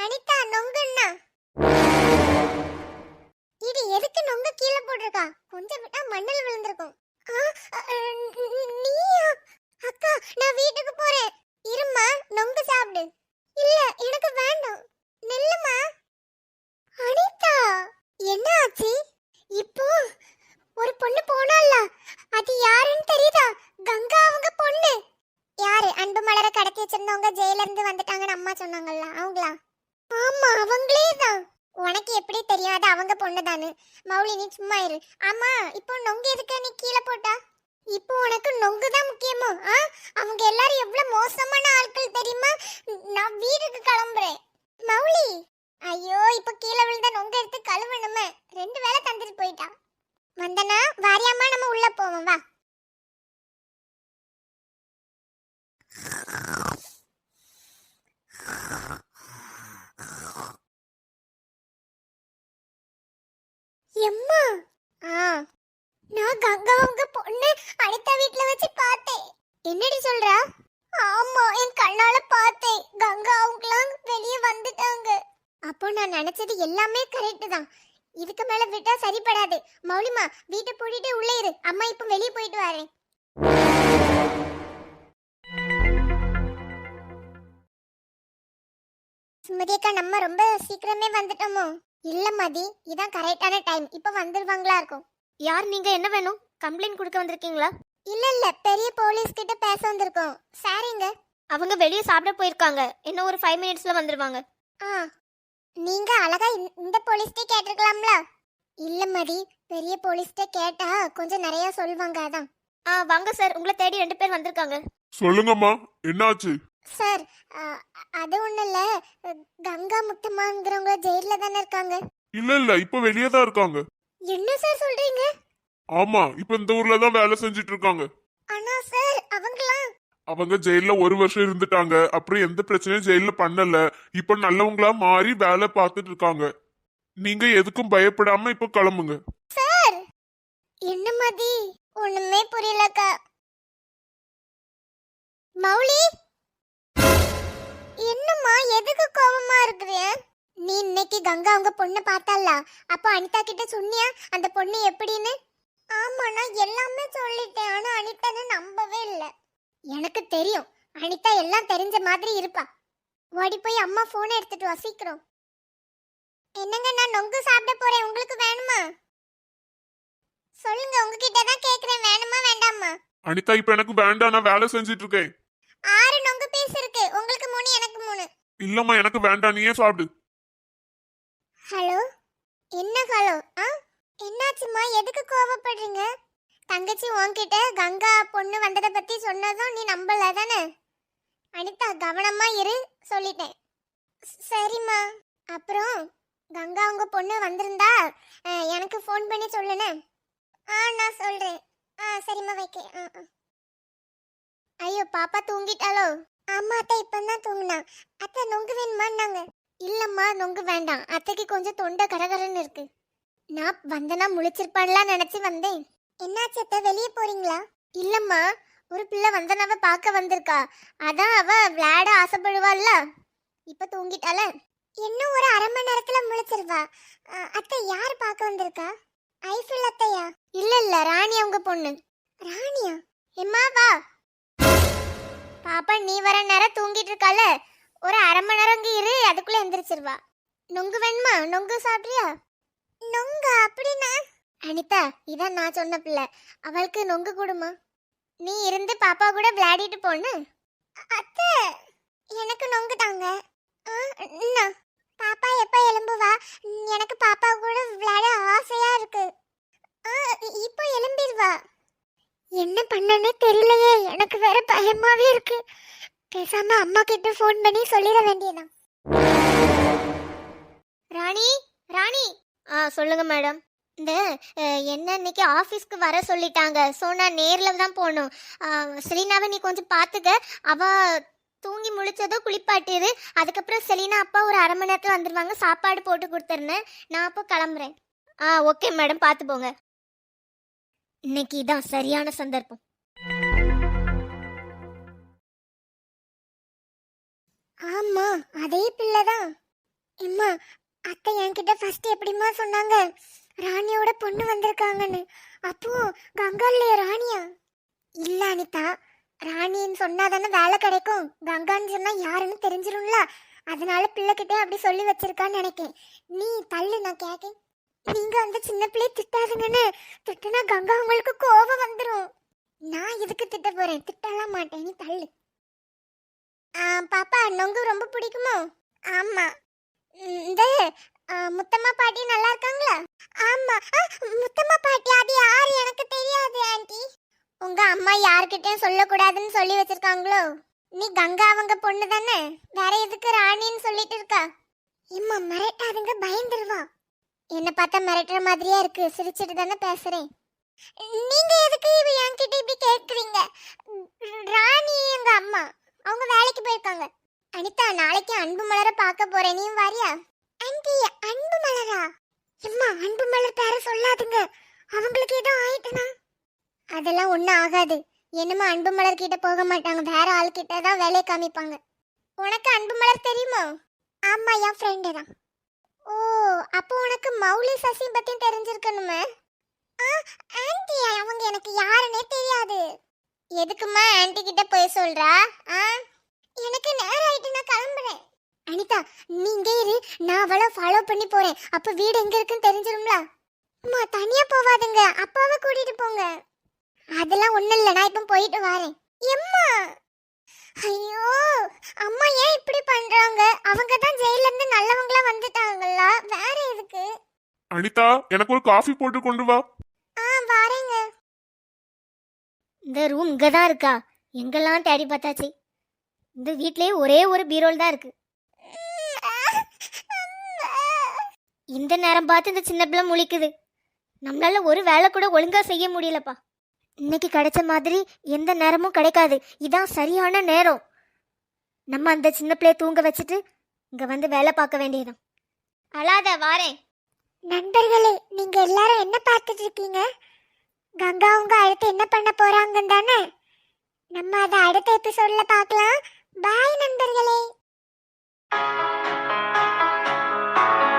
அனிதா நொங்குன்னா இது எதுக்கு நொங்க கீழே போட்டிருக்கா? கொஞ்சம் விட்டா மண்ணில் விழுந்திருக்கும். நீயா? அக்கா நான் வீட்டுக்கு போறேன். இரும்மா நொங்கு சாப்பிடு. இல்ல எனக்கு வேண்டாம். நில்லுமா. அனிதா என்ன ஆச்சு? இப்போ ஒரு பொண்ணு போனால, அது யாருன்னு தெரியுதா? கங்கா அவங்க பொண்ணு. யாரு? அன்பு மலரை கடத்தி வச்சிருந்தவங்க ஜெயில இருந்து வந்துட்டாங்கன்னு அம்மா சொன்னாங்கல்ல, அவங்களா? ஆமா அவங்களே தான். உனக்கு எப்படி தெரியாது அவங்க பொண்ணுதானு? மௌலி நீ சும்மா இரு. ஆமா இப்போ நொங்கு எதுக்கு நீ கீழே போட்டா? இப்போ உனக்கு நொங்கு தான் முக்கியமோ? அவங்க எல்லாரும் எவ்வளவு மோசமான ஆட்கள் தெரியுமா? நான் வீட்டுக்கு கிளம்புறேன். மௌலி ஐயோ இப்ப கீழே விழுந்த நொங்க எடுத்து கழுவணுமே. 2 வேளை தந்துட்டு போயிட்டா. வந்தனா வாரியாமா நம்ம உள்ள போவோம் வா. எம்மா நான் கங்கா உங்க பொண்ணு அனிதா வீட்ல வச்சு பார்த்தேன். என்னடி சொல்ற? ஆமா என் கண்ணால பார்த்தேன். கங்கா அவங்கலாம் வெளியே வந்துட்டாங்க. அப்போ நான் நினைச்சது எல்லாமே கரெக்ட் தான். இதுக்கு மேல விட்டா சரிப்படாது. மௌலிமா வீட்டை பூட்டிட்டு உள்ளே இரு. அம்மா இப்ப வெளியே போயிட்டு வரேன். சுமதி அக்கா நம்ம ரொம்ப சீக்கிரமே வந்துட்டோமோ? இல்ல மதி இதான் கரெக்டான டைம். இப்ப வந்துருவாங்களா இருக்கும். யார் நீங்க? என்ன வேணும்? கம்ப்ளைண்ட் கொடுக்க வந்திருக்கீங்களா? இல்ல இல்ல பெரிய போலீஸ் கிட்ட பேச வந்திருக்கோம். சாரிங்க. அவங்க வெளியே சாப்பிட போயிருக்காங்க. இன்னும் ஒரு 5 மினிட்ஸ்ல வந்துருவாங்க. நீங்க அழகா இந்த போலீஸ்டே கேட்டிருக்கலாம்ல. இல்ல மதி பெரிய போலீஸ்டே கேட்டா கொஞ்சம் நிறைய சொல்வாங்க அதான். வாங்க சார், உங்களை தேடி 2 பேர் வந்திருக்காங்க. சொல்லுங்கம்மா என்னாச்சு? சார் அது ஒண்ணு இல்ல. கங்கா முத்தம்மாங்கிறவங்க ஜெயில தானே இருக்காங்க. இல்ல இப்ப வெளியே தான் இருக்காங்க. என்ன சார் சொல்றீங்க? ஆமா இப்ப இந்த ஊர்ல தான் வேலை செஞ்சுட்டு இருக்காங்க. ஆனா சார் அவங்க ஜெயில 1 வருஷம் இருந்துட்டாங்க. அப்புறம் எந்த பிரச்சனையும் ஜெயில பண்ணல. இப்ப நல்லவங்களா மாறி வேலை பார்த்துட்டு இருக்காங்க. நீங்க எதுக்கும் பயப்படாம இப்ப கிளம்புங்க. சார் என்ன மதி ஒண்ணுமே புரியலக்கா. மௌலி என்னம்மா எதுக்கு கோவமா இருக்கிற? நீ இன்னைக்கு கங்கா அவங்க பொண்ணை பார்த்தால, அப்போ அனிதா கிட்ட சொன்னியா அந்த பொண்ணு எப்படின்னு? ஆமா நான் எல்லாமே சொல்லிட்டேன். ஆனா அனிதான்னு நம்பவே இல்லை. எனக்கு தெரியும் அனிதா எல்லாம் தெரிஞ்ச மாதிரி இருப்பா. ஓடி போய் அம்மா போனை எடுத்துட்டு வா சீக்கிரம். என்னங்க நான் நொங்கு சாப்பிட போறேன். உங்களுக்கு வேணுமா? சொல்லுங்க உங்ககிட்ட தான் கேக்குறேன். வேணுமா வேண்டாமா? அனிதா இப்ப எனக்கு வேண்டாம். நான் வேலை செஞ்சுட்டு இருக்கேன். 6 நொங்கு பீஸ் இருக்கு. உங்களுக்கு 3 எனக்கு 3. இல்லம்மா எனக்கு வேண்டாம். நீயே சாப்பிடு. ஹலோ என்ன ஹலோ? என்னாச்சுமா எதுக்கு கோவப்படுறீங்க? தங்கச்சி உன்கிட்ட கங்கா பொண்ணு வந்ததை பத்தி சொன்னதும் நீ நம்பல தானே? அனிதா கவனமா இரு சொல்லிட்டேன். சரிம்மா. அப்புறம் கங்கா உங்க பொண்ணு வந்திருந்தா எனக்கு ஃபோன் பண்ணி சொல்லுனே. நான் சொல்றேன். சரிம்மா வைக்க. ஐயோ பாப்பா தூங்கிட்டாளோ? ஆமா அத்தை இப்பதான் தூங்குனா. அத்தை நொங்கு வேணுமான்னாங்க. இல்லம்மா நொங்கு வேண்டாம். அத்தைக்கு கொஞ்சம் தொண்டை கடகரன்னு இருக்கு. நான் வந்தனா முழிச்சிருப்பான்லாம் நினைச்சு வந்தேன். என்னாச்சு அத்தை வெளியே போறீங்களா? இல்லம்மா ஒரு பிள்ளை வந்தனாவ பார்க்க வந்திருக்கா. அதான் அவ விளையாட ஆசைப்படுவாள்ல. இப்ப தூங்கிட்டால. இன்னும் ஒரு 1/2 மணி நேரத்துல முழிச்சிருவா. அத்தை யார் பார்க்க வந்திருக்கா? ஐஃபில் அத்தையா? இல்ல ராணி அவங்க பொண்ணு. ராணியா? எம்மா வா. பாப்பா நீ வர நேரம் தூங்கிட்டு இருக்கால, ஒரு 1/2 மணி நேரம் இங்க இரு. அதுக்குள்ள எந்திரிச்சிருவா. நொங்கு வேணுமா? நொங்கு சாப்பிட்றியா? நொங்கு அப்படின்னா? அனிதா இதான் நான் சொன்ன பிள்ளை. அவளுக்கு நொங்கு கொடுமா. நீ இருந்து பாப்பா கூட விளையாடிட்டு போன்னு. அத்தை எனக்கு நொங்கு தாங்க. பாப்பா எப்ப எலும்புவா? எனக்கு பாப்பா கூட விளையாட ஆசையா இருக்கு. இப்போ எலும்பிடுவா. என்ன பண்ணனே தெரியலையே. எனக்கு வேற பயமாவே இருக்கு. பேசாம அம்மா கிட்ட ஃபோன் பண்ணி சொல்லிட வேண்டியதான். ராணி ராணி. சொல்லுங்க மேடம். இந்த என்ன இன்னைக்கு ஆஃபீஸ்க்கு வர சொல்லிட்டாங்க. ஸோ நான் நேரில் தான் போகணும். செலினாவை நீ கொஞ்சம் பார்த்துக்க. அவ தூங்கி முழிச்சதோ குளிப்பாட்டிடு. அதுக்கப்புறம் செலினா அப்பா ஒரு 1/2 மணி நேரத்தில் வந்துடுவாங்க. சாப்பாடு போட்டு கொடுத்துருந்தேன். நான் அப்போ கிளம்புறேன். ஓகே மேடம், பார்த்து போங்க. இன்னைக்கு இதான் சரியான சந்தர்ப்பம். ஆமா அதே பிள்ளைதான். அம்மா அத்தை என்கிட்ட ஃபர்ஸ்ட் எப்படிம்மா சொன்னாங்க ராணியோட பொண்ணு வந்திருக்காங்கன்னு. அப்போ கங்கா இல்லையா ராணியா? இல்ல அனிதா, ராணின்னு சொன்னாதானே வேலை கிடைக்கும். கங்கான்னு சொன்னா யாருன்னு தெரிஞ்சிரும்ல, அதனால பிள்ளைகிட்ட அப்படி சொல்லி வச்சிருக்கான்னு நினைக்கேன். நீ தள்ளு, நான் கேட்கேன். நீங்க அந்த சின்ன பிள்ளைய திட்டாதுங்கன்னு. திட்டுனா கங்கா உங்களுக்கு கோபம் வந்துடும். நான் எதுக்கு திட்ட போறேன்? திட்டலாம் மாட்டேன், நீ தள்ளு. பாப்பா நொங்கு ரொம்ப பிடிக்குமோ? ஆமா. இந்த முத்தம்மா பாட்டி நல்லா இருக்காங்களா? ஆமா. முத்தம்மா பாட்டி அது யாரு எனக்கு தெரியாது ஆண்டி. உங்க அம்மா யார்கிட்டயும் சொல்லக்கூடாதுன்னு சொல்லி வச்சிருக்காங்களோ? நீ கங்கா அவங்க பொண்ணு தானே, வேற எதுக்கு ராணின்னு சொல்லிட்டு இருக்கா? இம்மா மிரட்டாதுங்க, பயந்துருவா. என்ன பார்த்தா மிரட்டுற மாதிரியா இருக்கு, சிரிச்சிட்டு தானே பேசுறேன். நீங்க எதுக்கு இவ என்கிட்ட இப்படி கேக்குறீங்க? ராணி எங்க அம்மா, அவங்க வேலைக்கு போயிருக்காங்க. அனிதா நாளைக்கு அன்பு மலர பார்க்க போறேன், நீ வரியா? ஆண்டி அன்பு மலரா? அம்மா அன்பு மலர் பேர சொல்லாதுங்க, அவங்களுக்கு ஏதோ ஆயிட்டுனா. அதெல்லாம் ஒண்ணும் ஆகாது. என்னமா அன்பு மலர் கிட்ட போக மாட்டாங்க, வேற ஆள் கிட்ட தான் வேலையை காமிப்பாங்க. உனக்கு அன்பு மலர் தெரியுமோ? ஆமா, என் ஃப்ரெண்டு தான். ஓ, அப்போ உனக்கு மௌலி சசி பத்தி தெரிஞ்சிருக்கணுமே. ஆண்டி அவங்க எனக்கு யாருன்னே தெரியாது. எதுக்குமா ஆண்டி கிட்ட போய் சொல்றா? எனக்கு நேரம் ஆயிட்டு, நான் கிளம்புறேன். அனிதா நீங்க இரு, நான் அவளை ஃபாலோ பண்ணி போறேன். அப்ப வீடு எங்க இருக்குன்னு தெரிஞ்சிரும்ல. அம்மா தனியா போவாதுங்க, அப்பாவை கூட்டிட்டு போங்க. அதெல்லாம் ஒண்ணும் இல்ல, நான் இப்ப போயிட்டு வரேன். எம்மா ஐயோ, அம்மா ஏன் இப்படி பண்றாங்க? அவங்க தான் ஜெயில இருந்து நல்லவங்களா வந்துட்டாங்களா, வேற எதுக்கு? அனிதா எனக்கு ஒரு காஃபி போட்டு கொண்டு வா. வரேங்க. இந்த ரூம் இங்கே தான் இருக்கா? எங்கெல்லாம் தேடி பார்த்தாச்சு. இந்த வீட்லயே ஒரே ஒரு பீரோல் தான் இருக்கு. இந்த நேரம் பார்த்து இந்த சின்ன பிள்ளை முழிக்குது. நம்மளால ஒரு வேலை கூட ஒழுங்கா செய்ய முடியலப்பா. இன்னைக்கு கிடைச்ச மாதிரி எந்த நேரமும் கிடைக்காது. இதான் சரியான நேரம். நம்ம அந்த சின்ன பிள்ளைய தூங்க வச்சுட்டு இங்க வந்து வேலை பார்க்க வேண்டியதுதான். அழாத, வாரேன். நண்பர்களே, நீங்க எல்லாரும் என்ன பார்த்துட்டு இருக்கீங்க? கங்கா அவங்க அடுத்து என்ன பண்ண போறாங்கன்னு தானே? நம்ம அதை அடுத்த எபிசோட்ல பார்க்கலாம். பாய் நண்பர்களே.